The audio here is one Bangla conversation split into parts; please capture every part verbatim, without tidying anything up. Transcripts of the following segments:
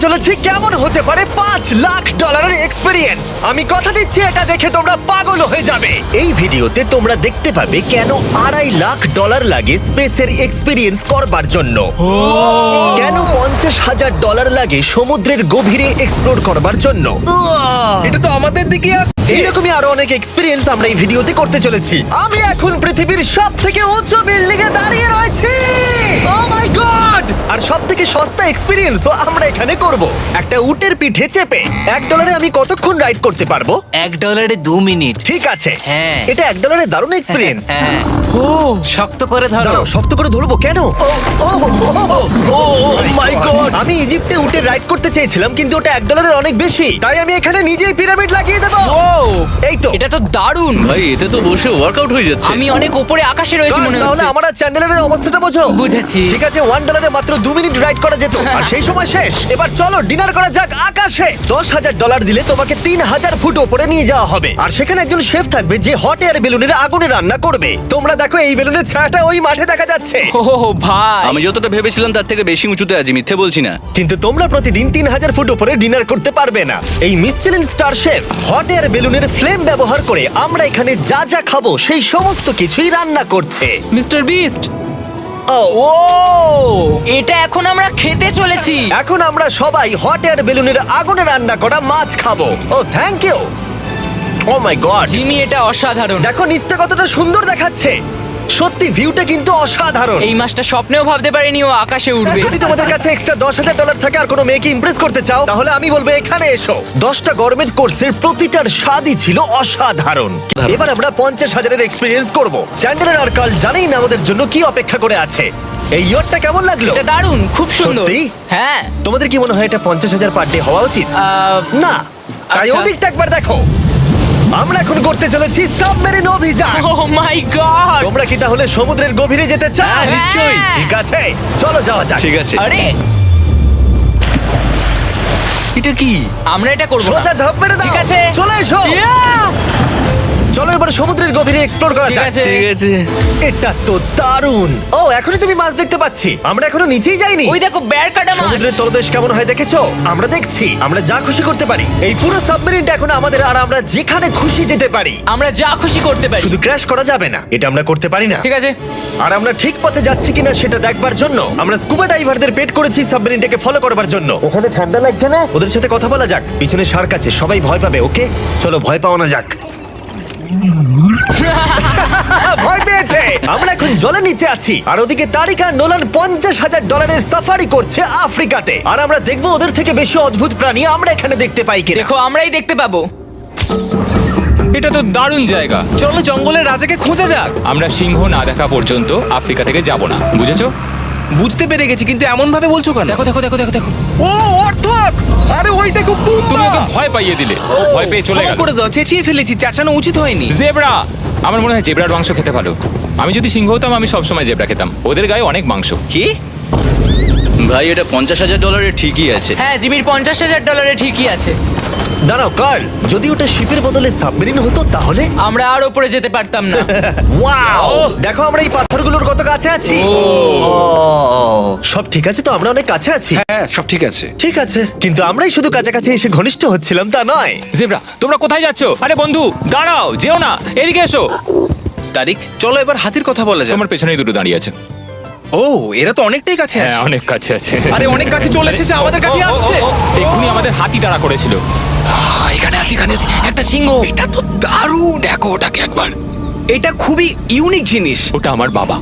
চলেছি কেমন হতে পারে পাঁচ লাখ ডলারের এক্সপিরিয়েন্স। আমি কথা দিচ্ছি এটা দেখে তোমরা পাগল হয়ে যাবে। এই ভিডিওতে তোমরা দেখতে পাবে কেন আড়াই লাখ ডলার লাগে স্পেসের এক্সপিরিয়েন্স করবার জন্য, কেন পঞ্চাশ হাজার ডলার লাগে সমুদ্রের গভীরে এক্সপ্লোর করবার জন্য। এটা তো আমাদের দিকে আসছে। এইরকমই আরো অনেক এক্সপিরিয়েন্স আমরা এই ভিডিওতে করতে চলেছি। আমি এখন পৃথিবীর সব থেকে উঁচু বিল্ডিং এ দাঁড়িয়ে রয়েছি। ও মাই গড! আর সব থেকে সস্তা এক্সপিরিয়েন্সও আমরা এখানে করব। একটা উটের পিঠে চেপে এক ডলারে আমি কতক্ষণ রাইড করতে পারবো? এক ডলারে দু মিনিট। ঠিক আছে, হ্যাঁ। এটা এক ডলারে দারুণ এক্সপিরিয়েন্স। হ্যাঁ, ও শক্ত করে ধরো। দাঁড়াও, শক্ত করে ধরবো কেন? Oh oh oh my god! আমি ইজিপ্টে উটে রাইড করতে চেয়েছিলাম, কিন্তু ওটা এক ডলারের অনেক বেশি, তাই আমি এখানে নিজেই পিরামিড লাগিয়ে দেবো। ও এই তো। এটা তো দারুণ। ভাই এতে তো বসে ওয়ার্কআউট হয়ে যাচ্ছে। আমি অনেক উপরে আকাশে রয়েছি মনে তাহলে হচ্ছে। আমার আর চ্যান্ডেলের অবস্থাটা বোঝো। বুঝেছি। ঠিক আছে, ওয়ান ডলারে মাত্র দু মিনিট রাইড করা যেত, আর সেই সময় শেষ। এবার চলো ডিনার করা যাক আকাশে। দশ হাজার ডলার দিলে তোমাকে তিন হাজার ফুট ওপরে নিয়ে যাওয়া হবে, আর সেখানে একজন শেফ থাকবে যে হট এয়ার বেলুনের আগুনে রান্না করবে। তোমরা দেখো এই বেলুনের ছায়াটা ওই মাঠে দেখা যাচ্ছে। ও ভাই, আমি যতটা ভেবেছিলাম তার থেকে বেশি উঁচুতে আছি, মিথ্যে বলছি না। কিন্তু তোমরা প্রতিদিন তিন হাজার ফুট উপরে ডিনার করতে পারবে না। এই Michelin star chef hot air বেলুনের ফ্লেম ব্যবহার করে আমরা এখানে যা যা খাবো সেই সমস্ত কিছুই রান্না করছে। Mister beast. ও ও এটা এখন আমরা খেতে চলেছি। এখন আমরা সবাই হট এয়ার বেলুনের আগুনে রান্না করা মাছ খাবো। Oh thank you. Oh my god, Jimmy এটা অসাধারণ। দেখো নিচটা কতটা সুন্দর দেখাচ্ছে। সত্যি ভিউটা কিন্তু অসাধারণ। এই মাসটা স্বপ্নেও ভাবতে পারিনি ও আকাশে উঠবে। যদি তোমাদের কাছে এক্সট্রা দশ হাজার ডলার থাকে আর কোনো মেয়েকে ইমপ্রেস করতে চাও, তাহলে আমি বলবো এখানে এসো। দশটা গভর্নমেন্ট কোর্সের প্রতিটার স্বাদই ছিল অসাধারণ। এবার আমরা পঞ্চাশ হাজারের এক্সপিরিয়েন্স করব। চ্যান্ডেলার আর কার্ল জানেই না আমাদের জন্য কি অপেক্ষা করে আছে। এই ইয়ারটা কেমন লাগলো? এটা দারুণ, খুব সুন্দর। সত্যি? হ্যাঁ। তোমাদের কি মনে হয় এটা পঞ্চাশ হাজার পার ডে হওয়া উচিত? আহ, না, তাই আচ্ছা। ওদিকটা একবার দেখো। আমরা এখন করতে চলেছি সাবমেরিন অভিযান। Oh my god. তোমরা কি তাহলে সমুদ্রের গভীরে যেতে চাও? হ্যাঁ, নিশ্চয়ই। ঠিক আছে, চলো যাওয়া যাক। ঠিক আছে। আরে এটা কি? আমরা এটা করব না। সোজা ঝাঁপ মেরে দাও। ঠিক আছে। চলে এসো। Yeah! চলো এবার সমুদ্রের গভীরে এক্সপ্লোর করা ঠিক যাক। আছে। ঠিক আছে। এটা তো দারুণ। ও এখনই তুমি মাছ দেখতে পাচ্ছি। আমরা এখনো নিচেই যাইনি। ওই দেখো বের কাটা মাছ। সমুদ্রের তলদেশ কেমন হয় দেখেছো? আমরা দেখছি, আমরা যা খুশি করতে পারি। এই পুরো সাবমেরিনটা এখন আমাদের, আর আমরা যেখানে খুশি যেতে পারি। আমরা যা খুশি করতে পারি। শুধু ক্র্যাশ করা যাবে না, এটা আমরা করতে পারি না। ঠিক আছে। আর আমরা ঠিক পথে যাচ্ছি কিনা সেটা দেখবার জন্য আমরা স্কুবা ডাইভারদের পেড করেছি সাবমেরিনটাকে ফলো করবার জন্য। ওখানে ঠান্ডা লাগছে না? ওদের সাথে কথা বলা যাক। পিছনে শার্ক আছে, সবাই ভয় পাবে। ওকে চলো ভয় পাওয়া না যাক। ভয় পেয়েছে। আমরা এখন জলের নিচে আছি, আর ওদিকে তারিকা নোলান পঞ্চাশ হাজার ডলারের সাফারি করছে আফ্রিকাতে। আর আমরা দেখবো ওদের থেকে বেশি অদ্ভুত প্রাণী আমরা এখানে দেখতে পাই কিনা। দেখো আমরাই দেখতে পাবো। এটা তো দারুণ জায়গা। চলো জঙ্গলের রাজাকে খোঁজা যাক। আমরা সিংহ না দেখা পর্যন্ত আফ্রিকা থেকে যাব না, বুঝেছো? বুঝতে পেরে গেছি, কিন্তু এমন ভাবে বলছো কেন? দেখো দেখো দেখো দেখো দেখো, ও অর্থক! আরে ওই দেখো তুমি পুম্বা! ওকে ভয় পাইয়ে দিলে, ও ভয় পেয়ে চলে ক্ষমা গেল। করে দাও, চেঁচিয়ে ফেলেছি, চাচানো উচিত হয়নি। জেব্রা, আমার মনে হয় জেব্রার মাংস খেতে ভালো। আমি যদি সিংহ হতাম আমি সবসময় জেব্রা খেতাম, ওদের গায়ে অনেক মাংস। কি? ভাই এটা পঞ্চাশ হাজার ডলারের ঠিকই আছে। হ্যাঁ, জিমির পঞ্চাশ হাজার ডলারে ঠিকই আছে। দাঁড়াও কার্ল, যদি ওটা শিপের বদলে সাবমেরিন হতো তাহলে? আমরা আর উপরে যেতে পারতাম না। ওয়াও, দেখো আমরা এই পাথরগুলোর কত কাছে আছি। ও সব ঠিক আছে তো? আমরা অনেক কাছে আছি। হ্যাঁ সব ঠিক আছে। ঠিক আছে, কিন্তু আমরাই শুধু কাছাকাছি এসে ঘনিষ্ঠ হচ্ছিলাম তা নয়। জেব্রা, তোমরা কোথায় যাচ্ছো? আরে বন্ধু দাঁড়াও, যেও না, এদিকে এসো। তারিক, চলো এবার হাতির কথা বলা যাক। তোমার পেছনেই দুটো দাঁড়িয়ে আছে। ও এরা তো অনেকটাই কাছে হ্যাঁ, আছে। অনেক কাছে আছে। আরে অনেক কাছে চলে এসেছে, আমাদের কাছে ও, ও, ও, আসছে। ও, এক্ষুনি আমাদের হাতি তাড়া করেছিল। এখানে আছে, এখানে আছে একটা সিংহ। এটা তো দারুণ, দেখো ওটাকে একবার। এটা খুবই ইউনিক জিনিস। ওটা আমার বাবা।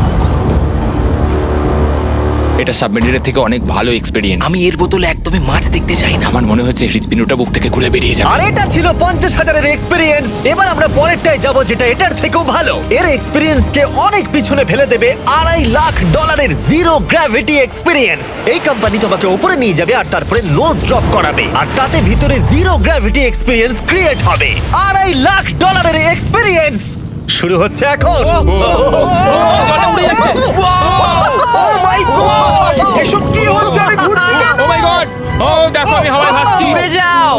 এটা সাবমেরিনের থেকে অনেক ভালো এক্সপেরিয়েন্স। আমি এর বোতলে একদমই মাছ দেখতে চাই না। আমার মনে হচ্ছে হৃৎপিণ্ডটা বুক থেকে খুলে বেরিয়ে যাবে। আর এটা ছিল পঞ্চাশ হাজারের এক্সপিরিয়েন্স। এবার আমরা পরেরটায় যাব, যেটা এটার থেকেও ভালো। এর এক্সপিরিয়েন্স কে অনেক পিছনে ফেলে দেবে। আড়াই লাখ ডলারের জিরো গ্র্যাভিটি এক্সপিরিয়েন্স। এই কোম্পানি তোমাকে উপরে নিয়ে যাবে আর তারপরে নোজ ড্রপ করাবে, আর তাতে ভিতরে জিরো গ্র্যাভিটি এক্সপিরিয়েন্স ক্রিয়েট হবে। আড়াই লাখ ডলারের এক্সপিরিয়েন্স শুরু হচ্ছে এখন। জলে উড়ে যাচ্ছে। ও মাই গড, এসব কি হচ্ছে? আমি ঘুরছি কেন? ও মাই গড! ও দেখো আমি হাওয়ায় ভাসছি। উড়ে যাও।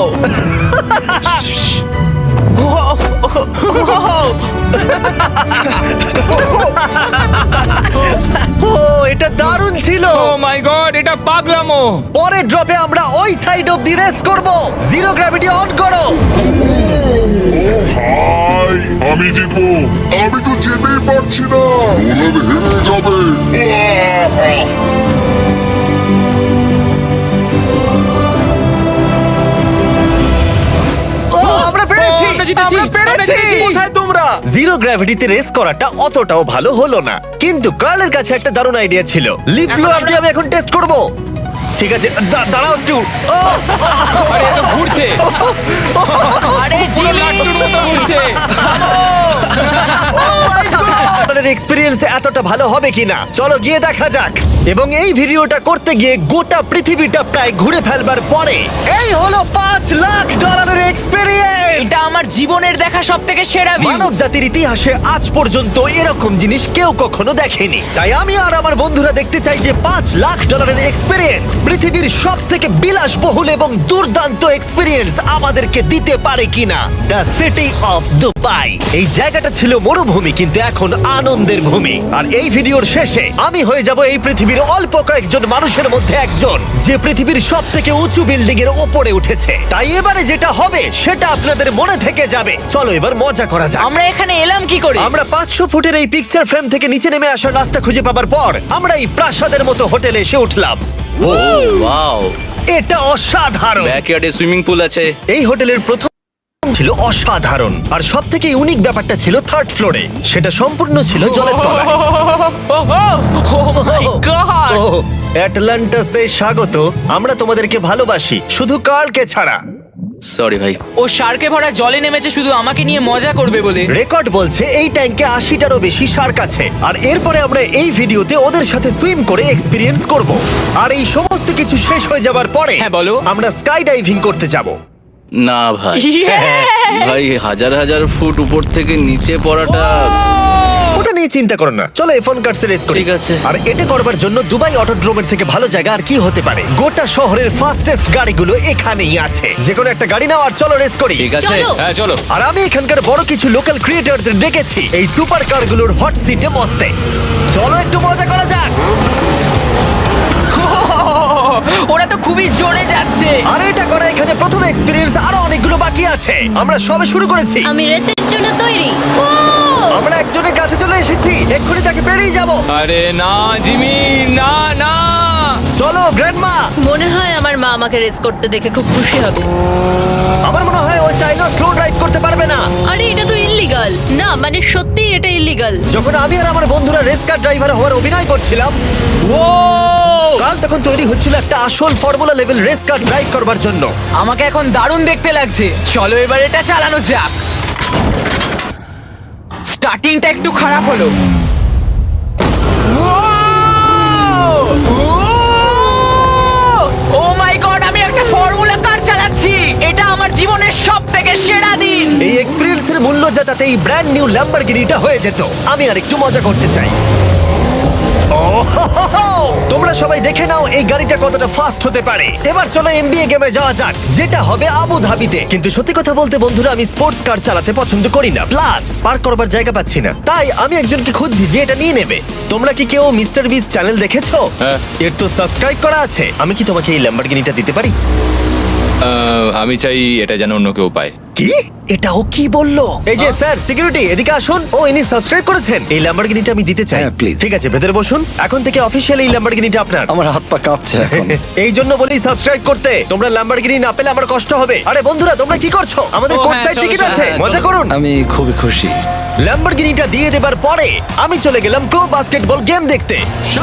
ও এটা দারুণ ছিল। ও মাই গড, এটা এটা পাগলামো। পরের ড্রপে আমরা ওই সাইড অফ দি রেস করব। জিরো গ্র্যাভিটি অন করো। হাই আমি জিতবো। আমি তো যেতেই পারছি না, নোলান হেরে যাবে। আহ! ও, আমরা পেরেছি, আমরা জিতেছি, আমরা আমরা পেরেছি। জিতেছি। কোথায় তোমরা? জিরো গ্র্যাভিটিতে রেস করাটা অতটাও ভালো হলো না, কিন্তু কার্লের কাছে একটা দারুণ আইডিয়া ছিল। লিপ এখন ব্লোয়ার আমরা- দিয়ে আমি এখন টেস্ট করব। ঠিক আছে, দা- দাঁড়াও একটু। ও, আরে এত ঘুরছে, আরে জিমি লাট্টুর মতো ঘুরছে। আপনাদের এক্সপেরিয়েন্স এতটা ভালো হবে কিনা চলো গিয়ে দেখা যাক। এবং এই ভিডিওটা করতে গিয়ে গোটা পৃথিবীটা প্রায় ঘুরে ফেলবার পরে এই হলো পাঁচ লাখ ডলারের এক্সপেরিয়েন্স। এটা আমার জীবনের দেখা সব থেকে সেরা ভিউ। মানব জাতির ইতিহাসে আজ পর্যন্ত এরকম জিনিস কেউ কখনো দেখেনি। তাই আমি আর আমার বন্ধুরা দেখতে চাই যে পাঁচ লাখ ডলারের এক্সপেরিয়েন্স পৃথিবীর সব থেকে বিলাসবহুল এবং দুর্দান্ত এক্সপেরিয়েন্স আমাদেরকে দিতে পারে কিনা। The city of Dubai. এই জায়গাটা ছিল মরুভূমি, কিন্তু এখন আনন্দের ভূমি। আর এই ভিডিওর শেষে আমি হয়ে যাব এই পৃথিবীর অল্প কয়েকজন মানুষের মধ্যে একজন, যে পৃথিবীর সব থেকে উঁচু বিল্ডিং এর ওপরে উঠেছে। তাই এবারে যেটা হবে সেটা আপনাদের মনে থেকে যাবে। চলো এবার মজা করা যাক। আমরা এখানে এলাম কি করে? আমরা পাঁচশো ফুটের এই পিকচার ফ্রেম থেকে নিচে নেমে আসার রাস্তা খুঁজে পাবার পর আমরা এই প্রাসাদের মতো হোটেলে এসে উঠলাম। ও ওয়াও, এটা অসাধারণ। ব্যাকইয়ার্ডে সুইমিং পুল আছে। এই হোটেলের প্রথম ছিল অসাধারণ, আর সব থেকে ইউনিক ব্যাপারটা ছিল থার্ড ফ্লোরে। সেটা সম্পূর্ণ ছিল জলের তলায়। ও মাই গড! ও অ্যাটলান্টাসে স্বাগত। আমরা তোমাদেরকে ভালোবাসি, শুধু কার্লকে ছাড়া। সরি ভাই। ও শার্কে ভরা জলে নেমেছে শুধু আমাকে নিয়ে মজা করবে বলে। রেকর্ড বলছে এই ট্যাঙ্কে আশিটারও বেশি শার্ক আছে। আর এরপরে আমরা এই ভিডিওতে ওদের সাথে সুইম করে এক্সপিরিয়েন্স করব। আর এই সমস্ত কিছু শেষ হয়ে যাবার পরে হ্যাঁ, বলো। আমরা স্কাই ডাইভিং করতে যাব। না ভাই, Yeah! ভাই হাজার হাজার ফুট উপর থেকে নিচে পড়াটা। ওটা নিয়ে চিন্তা করো না, চলো এফোন কার্ডস রেস করি। ঠিক আছে। আর এটা করবার জন্য দুবাই অটোড্রোমের থেকে ভালো জায়গা আর কি হতে পারে। গোটা শহরের ফাস্টেস্ট গাড়িগুলো এখানেই আছে। যে কোনো একটা গাড়ি নাও আর চলো রেস করি। ঠিক আছে। হ্যাঁ চলো। আর আমি এখানকার বড় কিছু লোকাল ক্রিয়েটরদের ডেকেছি এই সুপার কারগুলোর হট সিটে বসতে। চলো একটু মজা করা যাক। ওরা তো খুবই জোরে যাচ্ছে। আর এটা করা এখানে প্রথম এক্সপিরিয়েন্স, আরো অনেকগুলো বাকি আছে। আমরা সবে শুরু করেছি। আমি রেসের জন্য তৈরি। ও আমরা একজনের কাছে চলে এসেছি, এক্ষুনি তাকে পেরিয়ে যাব। আরে না জিমি, না না। চলো গ্র্যান্ডমা। মনে হয় আমার মা আমাকে রেস করতে দেখে খুব খুশি হবে। আমার মনে হয় ও চাইলেও স্লো ড্রাইভ করতে পারবে না। আরে এটা তো ইল্লিগাল। না মানে সত্যি এটা ইল্লিগাল। যখন আমি আর আমার বন্ধুরা রেস কার ড্রাইভার হওয়ার অভিনয় করছিলাম, ও কাল তখন তৈরি হচ্ছিল একটা আসল formula level race car drive করবার জন্য। আমাকে এখন দারুণ দেখতে লাগছে। চলো এবার এটা চালানো যাক। স্টার্টিংটা একটু খারাপ হলো। ও মাই গড, আমি একটা ফর্মুলা কার চালাচ্ছি। এটা আমার জীবনের সব থেকে সেরা দিন। এই এক্সপিরিয়েন্সের মূল্য যা তাতে এই ব্র্যান্ড নিউ ল্যাম্বরগিনিটা হয়ে যেত। আমি আর একটু মজা করতে চাই। ও হো হো হো! তোমরা সবাই দেখে নাও এই গাড়িটা কতটা ফাস্ট হতে পারে। এবার চলো এনবিএ গেমে যাওয়া যাক, যেটা হবে আবু ধাবিতে। কিন্তু সত্যি কথা বলতে বন্ধুরা, আমি স্পোর্টস কার চালাতে পছন্দ করি না, প্লাস পার্ক করবার জায়গা পাচ্ছি না। তাই আমি একজনকে খুঁজছি যে এটা নিয়ে নেবে। তোমরা কি কেউ মিস্টার বিস চ্যানেল দেখেছো? হ্যাঁ। এর তো সাবস্ক্রাইব করা আছে। আমি কি তোমাকে এই ল্যাম্বরগিনিটা দিতে পারি? আহ, আমি চাই এটা যেন অন্য কেউ পায়। কি? এটা ও কি বললো? এই যে স্যার সিকিউরিটি, এদিকে আসুন। ও ইনি সাবস্ক্রাইব করেছেন। এই ল্যাম্বরগিনিটা আমি দিতে চাই। হ্যাঁ, please. ঠিক আছে, ভেতরে বসুন। এখন থেকে অফিশিয়ালি এই ল্যাম্বরগিনিটা আপনার। আমার হাত পা কাঁপছে এখন। এই জন্য বলি সাবস্ক্রাইব করতে। তোমরা ল্যাম্বরগিনি না পেলে আমার কষ্ট হবে। আরে বন্ধুরা, তোমরা কি করছো? আমাদের ও, কোর্ট হ্যাঁ, সাইড চলো, টিকিট চলো, আছে, হ্যাঁ, মজা চলো। করুন। আমি খুবই খুশি। ল্যাম্বরগিনিটা দিয়ে দেবার পরে আমি চলে গেলাম প্রো বাস্কেটবল গেম দেখতে।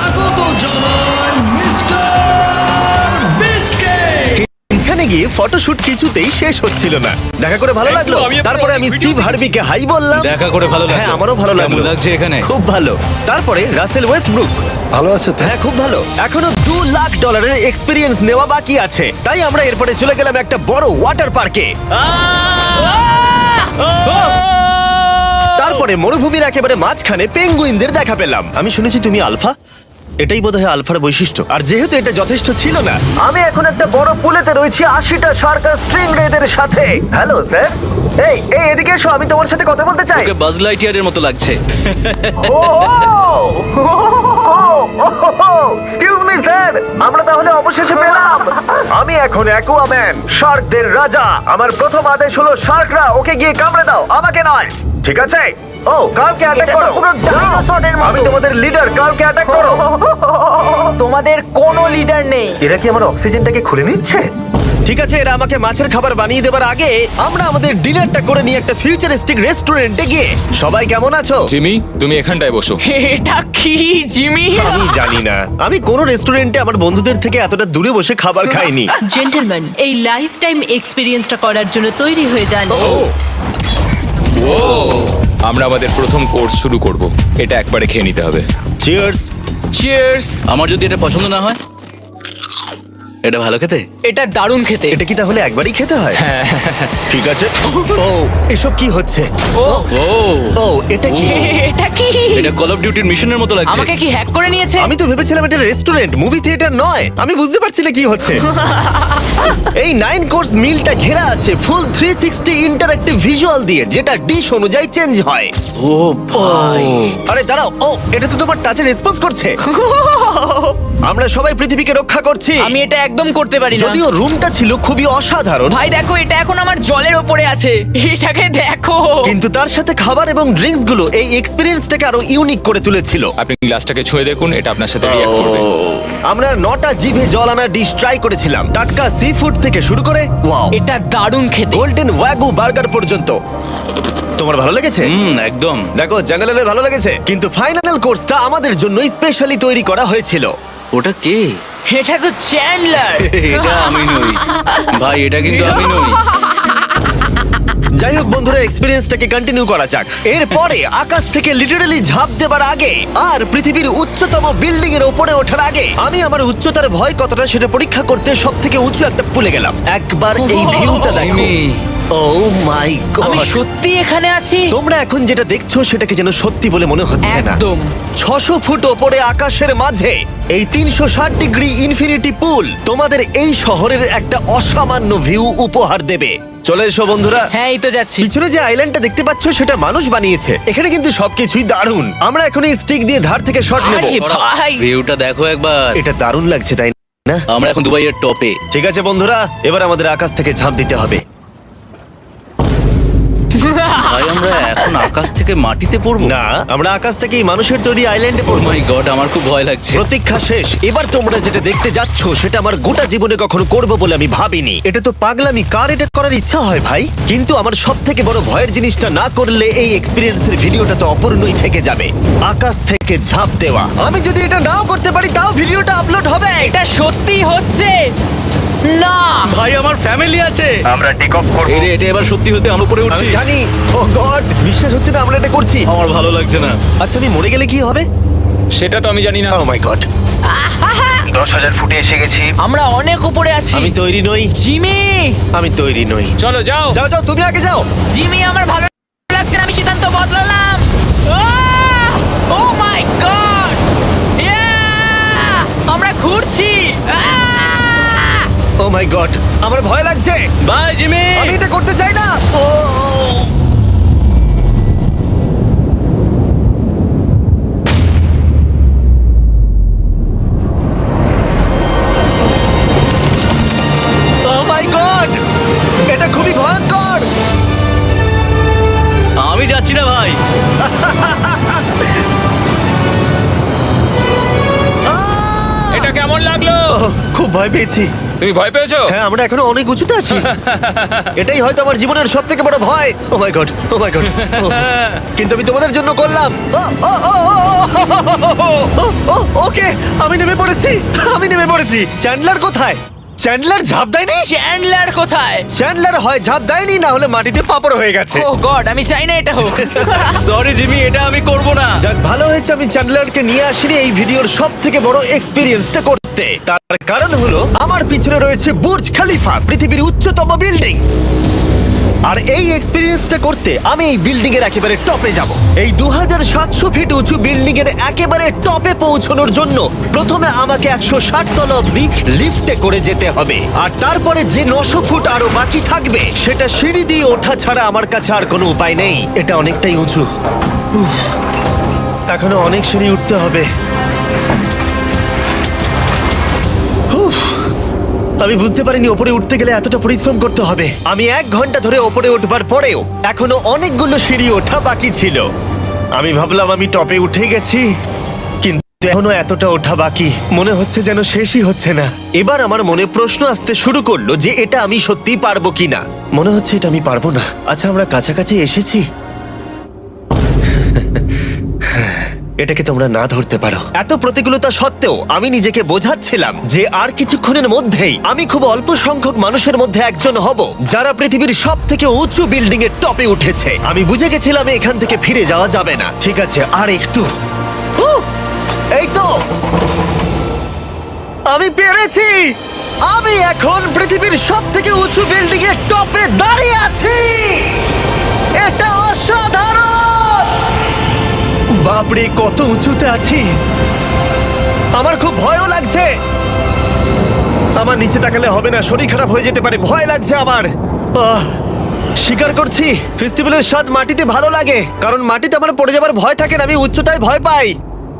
এখানে গিয়ে ফটোশুট কিছুতেই শেষ হচ্ছিল না। দেখা করে ভালো লাগলো। আমি আপনার তারপরে আমি অনেক স্টিভ ভিডিও হার্ভিকে হাই বললাম। দেখা করে ভালো লাগলো। হ্যাঁ, আমারও ভালো কেমন লাগলো। লাগছে এখানে? খুব ভালো। তারপরে রাসেল ওয়েস্টব্রুক। ভালো আছে তো? হ্যাঁ, খুব ভালো। এখনো দু লাখ ডলারের এক্সপিরিয়েন্স নেওয়া বাকি আছে। তাই আমরা এরপরে চলে গেলাম একটা বড় ওয়াটার পার্কে। তারপরে মরুভূমির একেবারে মাঝখানে পেঙ্গুইনদের দেখা পেলাম। আমি শুনেছি তুমি আলফা। এটাই বোধহয় আলফার বৈশিষ্ট্য। আর যেহেতু এটা যথেষ্ট ছিল না, আমি এখন একটা বড় পুলেতে রয়েছি আশিটা শার্ক আর স্ট্রিং রেদের সাথে। Hello sir. এই এই এদিকে এসো, আমি তোমার সাথে কথা বলতে চাই। ওকে বাজ লাইটিয়ারের মতো লাগছে। Oh, oh, oh, excuse me sir, আমরা তাহলে অবশেষে পেলাম। আমি এখন অ্যাকুয়াম্যান, শার্কদের রাজা। আমার প্রথম আদেশ হলো শার্করা ওকে গিয়ে কামড়ে দাও, আমাকে নয়। ঠিক আছে? ও, কার্লকে অ্যাটাক করো। আমি তোমাদের লিডার, কার্লকে অ্যাটাক করো। তোমাদের কোনো লিডার নেই। এরা কি আমার অক্সিজেনটাকে খুলে নিচ্ছে? ঠিক আছে, এরা আমাকে মাছের খাবার বানিয়ে দেবার আগে আমরা আমাদের ডিনারটা করে নিয়ে একটা ফিউচারিস্টিক রেস্টুরেন্টে গিয়ে। সবাই কেমন আছো? জিমি, তুমি এখানটায় বসো। এটা কি জিমি? আমি জানি না, আমি কোন রেস্টুরেন্টে আমার বন্ধুদের থেকে এতটা দূরে বসে খাবার খাইনি। জেন্টলম্যান, এই লাইফ টাইম এক্সপিরিয়েন্সটা করার জন্য তৈরি হয়ে যান। আমরা আমাদের প্রথম কোর্স শুরু করব। এটা একবারে খেয়ে নিতে হবে। চিয়ার্স। চিয়ার্স। আমার যদি এটা পছন্দ না হয়, এটা ভালো খেতে। এটা দারুণ খেতে। এটা কি তাহলে একবারই খেতে হয়? ঠিক আছে। ও, এসব কি হচ্ছে? ও ও ও, এটা কি? এটা কি? এটা কল অফ ডিউটির মিশনের মতো লাগছে। আমাকে কি হ্যাক করে নিয়েছে? আমি তো ভেবেছিলাম এটা রেস্টুরেন্ট, মুভি থিয়েটার নয়। আমি বুঝতে পারছি না কি হচ্ছে। এই নাইন কোর্স মিলটা ঘেরা আছে full three sixty interactive visual দিয়ে, যেটা ডিশ অনুযায়ী চেঞ্জ হয়। ও ভাই, আরে দাঁড়াও, ও এটা তো তোমার টাচে রেসপন্স করছে। আমরা সবাই পৃথিবীকে রক্ষা করছি। আমি এটা একদম করতে পারি না। যদিও রুমটা ছিল খুবই অসাধারণ, ভাই দেখো, এটা এখন আমার জলের ওপরে আছে। এটাকে দেখো। কিন্তু তার সাথে খাবার এবং ড্রিঙ্কস গুলো এই এক্সপেরিয়েন্সটাকে আরো ইউনিক করে তুলেছিল। আপনি গ্লাসটাকে ছুঁয়ে দেখুন, এটা আপনার সাথে রিঅ্যাক্ট করবে। আমরা নটা জিভে জল আনা ডিশ ট্রাই করেছিলাম, টাটকা সি ফুড থেকে শুরু করে ওয়াও, এটা দারুণ খেতে। গোল্ডেন ওয়াগু বার্গার পর্যন্ত। তোমার ভালো লেগেছে? হুম, একদম। দেখো, জঙ্গলের ভালো লেগেছে, কিন্তু ফাইনাল কোর্সটা আমাদের জন্য স্পেশালি তৈরি করা হয়েছিল। ওটা কে? এটা তো চ্যান্ডলার। এটা আমি নই ভাই, এটা কিন্তু আমি নই। যাই হোক বন্ধুরা, এক্সপেরিয়েন্সটাকে কন্টিনিউ করা যাক। এরপরে আকাশ থেকে লিটারালি ঝাঁপ দেবার আগে আর পৃথিবীর উচ্চতম বিল্ডিং এর উপরে ওঠার আগে আমি আমার উচ্চতার ভয় কতটা সেটা পরীক্ষা করতে সব থেকে উঁচু একটা পুলে গেলাম। একবার এই ভিউটা দেখো। জিমি। ও মাই আমি গড, সত্যি এখানে আছি। তোমরা এখন যেটা দেখছো সেটাকে যেন সত্যি বলে মনে হচ্ছে না। একদম। ছশো ফুট ওপরে আকাশের মাঝে এই তিনশো ষাট ডিগ্রি ইনফিনিটি পুল তোমাদের এই শহরের একটা অসামান্য ভিউ উপহার দেবে। চলে এসো বন্ধুরা। হ্যাঁ, এই তো যাচ্ছি। পিছনে যে আইল্যান্ডটা দেখতে পাচ্ছ সেটা মানুষ বানিয়েছে। এখানে কিন্তু সবকিছুই দারুণ। আমরা এখন এই স্টিক দিয়ে ধার থেকে শট নেব। আরে ভাই, ভিউটা দেখো একবার। এটা দারুণ লাগছে তাই না? আমরা এখন দুবাইয়ের টপে। ঠিক আছে বন্ধুরা, এবার আমাদের আকাশ থেকে ঝাঁপ দিতে হবে। ভাই, আমরা এখন আকাশ থেকে মাটিতে পড়বো? না, আমরা আকাশ থেকে এই মানুষের তৈরি আইল্যান্ডে ও পড়বো। মাই গড, আমার খুব ভয় লাগছে। প্রতীক্ষা শেষ। এবার তোমরা যেটা দেখতে যাচ্ছ সেটা আমার গোটা জীবনে কখনো করবো বলে আমি ভাবিনি। এটা তো পাগলামি, কার এটা করার ইচ্ছা হয় ভাই? কিন্তু আমার সব থেকে বড় ভয়ের জিনিসটা না করলে এই এক্সপিরিয়েন্সের ভিডিওটা তো অপূর্ণই থেকে যাবে। আকাশ থেকে ঝাঁপ দেওয়া। আমি যদি এটা নাও করতে পারি তাও ভিডিওটা আপলোড হবে। এটা সত্যি হচ্ছে না। ভাই, আমার ফ্যামিলি আছে। আমরা টেক অফ করব। এরে, এটা এবার সত্যি হতে আমরা উপরে আমি উঠছি। জানি। ও গড, বিশ্বাস হচ্ছে না আমরা এটা করছি। আমার ভালো লাগছে না। আচ্ছা, আমি মরে গেলে কি হবে? সেটা তো আমি জানি না। ও মাই গড, দশ হাজার ফুটে এসে গেছি। আমরা অনেক উপরে আছি। আমি তৈরি নই, জিমি, আমি তৈরি নই। চলো যাও। যাও যাও, তুমি আগে যাও। জিমি, আমার ভালো লাগছে না। আমি সিদ্ধান্ত বদলালাম। ও মাই গড, আমরা ঘুরছি। ও মাই গড, আমার ভয় লাগছে। Bye Jimmy. আমি এটা করতে চাই না। ও মাই গড, এটা খুবই ভয়ঙ্কর। আমি যাচ্ছি না ভাই। আহ! এটা কেমন লাগলো? ওহ, খুব ভয় পেয়েছি। তুমি ভয় পেয়েছো? হ্যাঁ, আমরা এখনো অনেক উঁচুতে আছি। এটাই হয়তো আমার জীবনের সব থেকে বড় ভয়। Oh my god, oh my god. কিন্তু আমি তোমাদের জন্য করলাম। ও, oh, oh, oh, oh, oh, ও, ওকে, আমি নেমে পড়েছি, আমি নেমে পড়েছি। চ্যান্ডলার কোথায়? চ্যান্ডলার ঝাঁপ দেয়নি? চ্যান্ডলার কোথায়? চ্যান্ডলার হয় ঝাঁপ দেয়নি, না হলে মাটিতে পাপড় হয়ে গেছে। ও গড, আমি চাই না এটা হোক। সরি জিমি, এটা আমি করব না। যাক, ভালো হয়েছে আমি চ্যান্ডলারকে নিয়ে আসিনি এই ভিডিওর সব থেকে বড় এক্সপিরিয়েন্সটা করতে। তার কারণ হলো আমার পিছনে রয়েছে বুর্জ খলিফা, পৃথিবীর উচ্চতম বিল্ডিং। আর এই এক্সপিরিয়েন্সটা করতে আমি এই বিল্ডিং এর একেবারে টপে যাব। এই দু হাজার সাতশো ফিট উঁচু বিল্ডিং এর একেবারে টপে পৌঁছানোর জন্য প্রথমে আমাকে একশো ষাট তলা অব্দি লিফটে করে যেতে হবে, আর তারপরে যে নশো ফুট আরো বাকি থাকবে সেটা সিঁড়ি দিয়ে ওঠা ছাড়া আমার কাছে আর কোনো উপায় নেই। এটা অনেকটাই উঁচু। উফ, এখনো অনেক সিঁড়ি উঠতে হবে। আমি বুঝতে পারিনি ওপরে উঠতে গেলে এতটা পরিশ্রম করতে হবে। আমি এক ঘন্টা ধরে ওপরে উঠবার পরেও এখনো অনেকগুলো সিঁড়ি ওঠা বাকি ছিল। আমি ভাবলাম আমি টপে উঠে গেছি, কিন্তু এখনো এতটা ওঠা বাকি। মনে হচ্ছে যেন শেষই হচ্ছে না। এবার আমার মনে প্রশ্ন আসতে শুরু করলো যে এটা আমি সত্যি পারবো কিনা। মনে হচ্ছে এটা আমি পারবো না। আচ্ছা, আমরা কাছাকাছি এসেছি। এটাকে তোমরা না ধরতে পারো। এত প্রতিকূলতা সত্ত্বেও আমি নিজেকে বোঝাচ্ছিলাম যে আর কিছুক্ষণের মধ্যেই আমি খুব অল্প সংখ্যক মানুষের মধ্যে একজন হব যারা পৃথিবীর সব থেকে উঁচু বিল্ডিং এর টপে উঠেছে। আমি বুঝে গেছিলাম এখান থেকে ফিরে যাওয়া যাবে না। ঠিক আছে, আর একটু। উহ, এই তো আমি পেরেছি। আমি এখন পৃথিবীর সব থেকে উঁচু বিল্ডিং এর টপে দাঁড়িয়ে আছি। এটা অসাধারণ। বাপরে, কত উঁচুতে আছি! আমার খুব ভয়ও লাগছে। আমার নিচে তাকালে হবে না, শরীর খারাপ হয়ে যেতে পারে। ভয় লাগছে আমার। আহ, স্বীকার করছি, ফেস্টিভ্যালের স্বাদ মাটিতে ভালো লাগে, কারণ মাটিতে আমার পড়ে যাবার ভয় থাকে না। আমি উচ্চতায় ভয় পাই।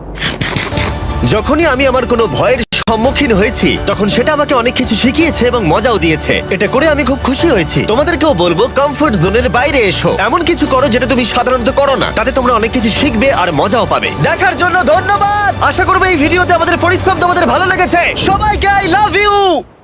যখনই আমি আমার কোনো ভয়ের সম্মুখীন হয়েছি তখন সেটা আমাকে অনেক কিছু শিখিয়েছে এবং মজাও দিয়েছে। এটা করে আমি খুব খুশি হয়েছি। তোমাদেরকেও বলবো কমফোর্ট জোনের বাইরে এসো, এমন কিছু করো যেটা তুমি সাধারণত করো না। তাতে তোমরা অনেক কিছু শিখবে আর মজাও পাবে। দেখার জন্য ধন্যবাদ। আশা করবো এই ভিডিওতে আমাদের পরিশ্রম তোমাদের ভালো লেগেছে। সবাইকে আই লাভ ইউ।